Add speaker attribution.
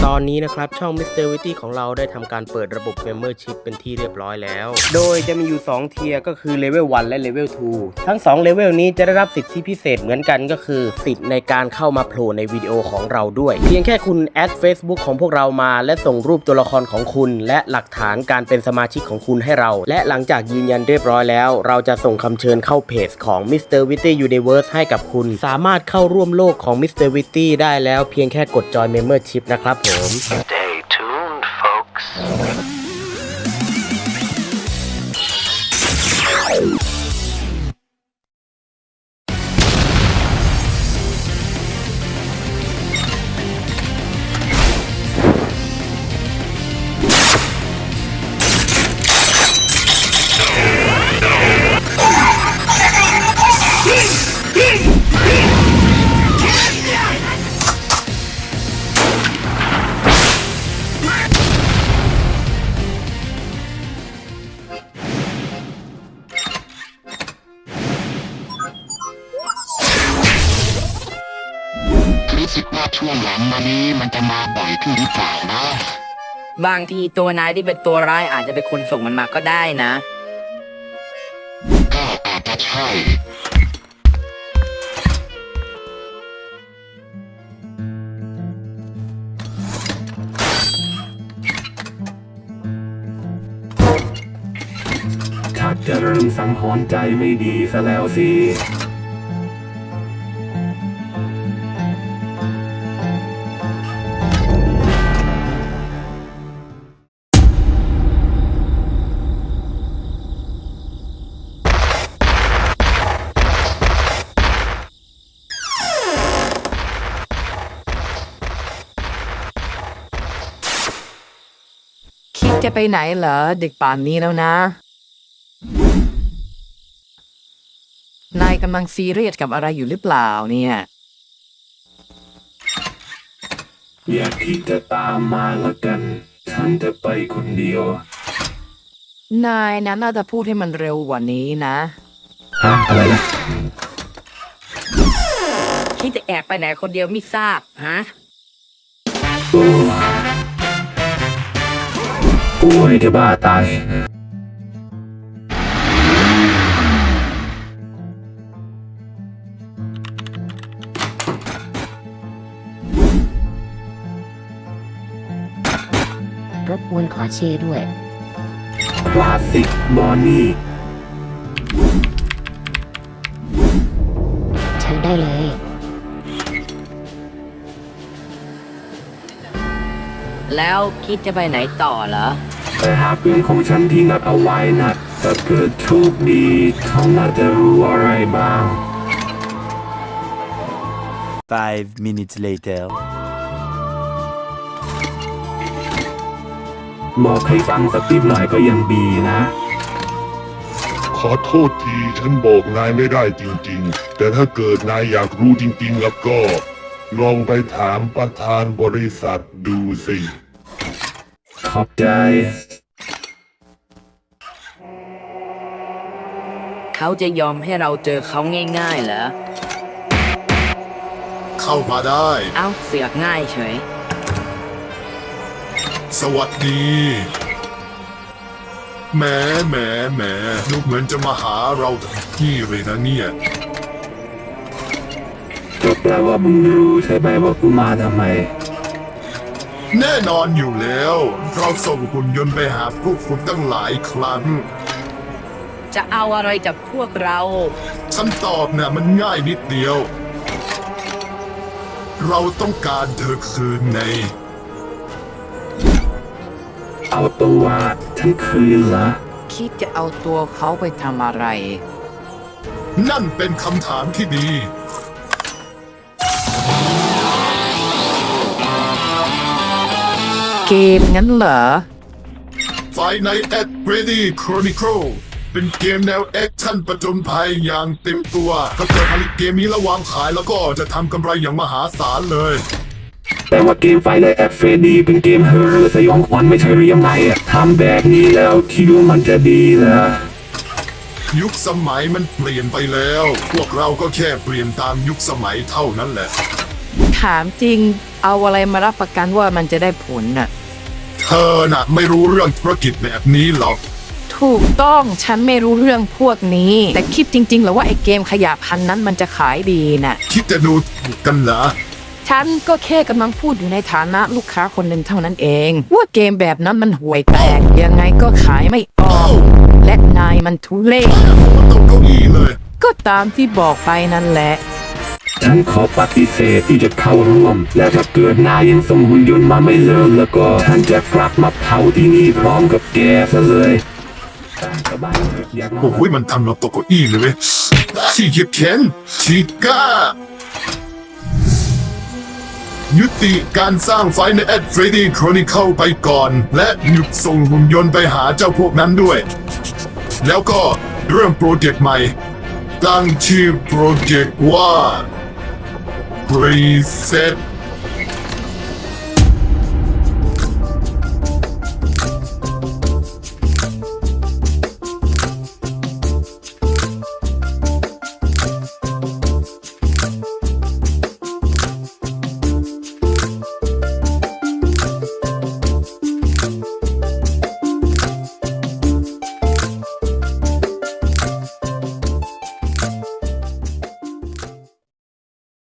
Speaker 1: ตอนนี้นะครับช่อง Mr. Witty ของเราได้ทำการเปิดระบบ Membership เป็นที่เรียบร้อยแล้วโดยจะมีอยู่2เทียร์ก็คือเลเวล1และเลเวล2ทั้ง2เลเวลนี้จะได้รับสิทธิพิเศษเหมือนกันก็คือสิทธิ์ในการเข้ามาโผล่ในวิดีโอของเราด้วยเพียงแค่คุณแอด Facebook ของพวกเรามาและส่งรูปตัวละครของคุณและหลักฐานการเป็นสมาชิกของคุณให้เราและหลังจากยืนยันเรียบร้อยแล้วเราจะส่งคำเชิญเข้าเพจของ Mr. Witty Universe ให้กับคุณสามารถเข้าร่วมโลกของ Mr. Witty ได้แล้วเพียงแค่กดจอย Membership นะครับผม
Speaker 2: Stay tuned, folks.
Speaker 3: รู้สึกว่าช่วงหลังมานี้มันจะมาบ่อยขึ้นหรือเปล่านะ
Speaker 4: บางทีตัวนายที่เป็นตัวร้ายอาจจะเป็นคนส่งมันมาก็ได้นะ
Speaker 3: ก็อาจจะใช่
Speaker 5: ชักจะเริ่มสังหรณ์ใจไม่ดีซะแล้วสิ
Speaker 4: คิดจะไปไหนเหรอเด็กป่านนี้แล้วนะ นายกำลังซีเรียสกับอะไรอยู่หรือเปล่าเนี่ย
Speaker 5: อย่าคิดจะตามมาละกันฉันจะไปคนเดียวน
Speaker 4: ายนั้นน่าจะพูดให้มันเร็วกว่านี้นะ
Speaker 5: ฮะอะไรนะ
Speaker 4: คิดจะแอบไปไหนคนเดียวไม่ทราบฮะ
Speaker 5: โอ้ป่วยจะบ้าตาย
Speaker 6: รบกวนขอชื่อด้วย
Speaker 5: คลาสสิกบอนนี่
Speaker 6: เชิญได้เลย
Speaker 4: แล้วคิดจะไปไหนต่อเหรอ
Speaker 5: ไปหาปืนของฉันที่นัดเอาไว้นะถ้าเกิดโชคดีเขาน่าจะรู้อะไรบ้าง
Speaker 7: 5 minutes later.
Speaker 5: บอกให้ฟังสักนิดหน่อยก็ยังดีนะ
Speaker 8: ขอโทษทีฉันบอกนายไม่ได้จริงๆ แต่ถ้าเกิดนายอยากรู้จริงๆแล้วก็ ลองไปถามประธานบริษัทดูสิ
Speaker 5: ขอบใจ
Speaker 4: เขาจะยอมให้เราเจอเขาง่ายๆเหรอ
Speaker 8: เข้ามาได้
Speaker 4: เอ้าเสือกง่ายเฉย
Speaker 8: สวัสดีแหมดูเหมือนจะมาหาเราถึงที่เลยนะเนี่ย
Speaker 5: ก็แปลว่ามึงรู้ใช่ไหมว่ากูมาทำไม
Speaker 8: แน่นอนอยู่แล้ว เราส่งหุ่นยนต์ไปหาพวกคุณตั้งหลายครั้ง
Speaker 4: จะเอาอะไรจากพวกเรา
Speaker 8: ฉันตอบนะมันง่ายนิดเดียว เราต้องการเธอคืนใน
Speaker 5: เอาตัวฉันคืนละ
Speaker 4: คิดจะเอาตัวเขาไปทำอะไร
Speaker 8: นั่นเป็นคำถามที่ดี
Speaker 4: เกมงั้นเหรอ
Speaker 8: Five-Nights at Freddy Chronicle เป็นเกมแนวแอคชั่นประจนภัยอย่างเต็มตัว ถ้าเกิดผลิตเกมนี้แล้ววางขายแล้วก็จะทำกำไรอย่างมหาศาลเลย
Speaker 5: แต่ว่าเกมไฟเลยแอดเฟรดีเป็นเกมเฮอร์เรอร์สยองขวัญไม่ใช่เรียมไหนอะทำแบบนี้แล้วคิดว่ามันจะดีเหรอ
Speaker 8: ยุคสมัยมันเปลี่ยนไปแล้ว พวกเราก็แค่เปลี่ยนตามยุคสมัยเท่านั้นแหละ
Speaker 9: ถามจริงเอาอะไรมารับประกันว่ามันจะได้ผลน่ะ
Speaker 8: เธอน่ะไม่รู้เรื่องธุรกิจแบบนี้หรอก
Speaker 9: ถูกต้องฉันไม่รู้เรื่องพวกนี้ แต่คิดจริงๆเหรอว่าไอ้เกมขยะพันนั้นมันจะขายดีน่ะ
Speaker 8: คิดจะดูถูกกันเหรอ
Speaker 9: ฉันก็แค่กำลังพูดอยู่ในฐานะลูกค้าคนหนึ่งเท่านั้นเอง ว่าเกมแบบนั้นมันห่วยแตกยังไงก็ขายไม่ออก และนายมันทุเล่
Speaker 8: ตกเก้าอี้เลย
Speaker 9: ก็ตามที่บอกไปนั่นแหละ
Speaker 5: ฉันขอปฏิเสธที่จะเข้าร่วม และถ้าเกิดนายยังส่งหุ่นยนต์มาไม่เลิกแล้วก็ฉันจะกลับมาเผาที่นี่พร้อมกับแกซะเลยตามสบายเถอะอย่างน้
Speaker 8: โอ้โหมันทำเราตกเก้าอี้เลยเว้ยชีเก็บแขนชีก้า ยุติการสร้างไฟในแอดเฟรดดี้โครนิเคิลไปก่อน และหยุดส่งหุ่นยนต์ไปหาเจ้าพวกนั้นด้วย แล้วก็เริ่มโปรเจกต์ใหม่ ตั้งชื่อโปรเจกต์ว่า Reset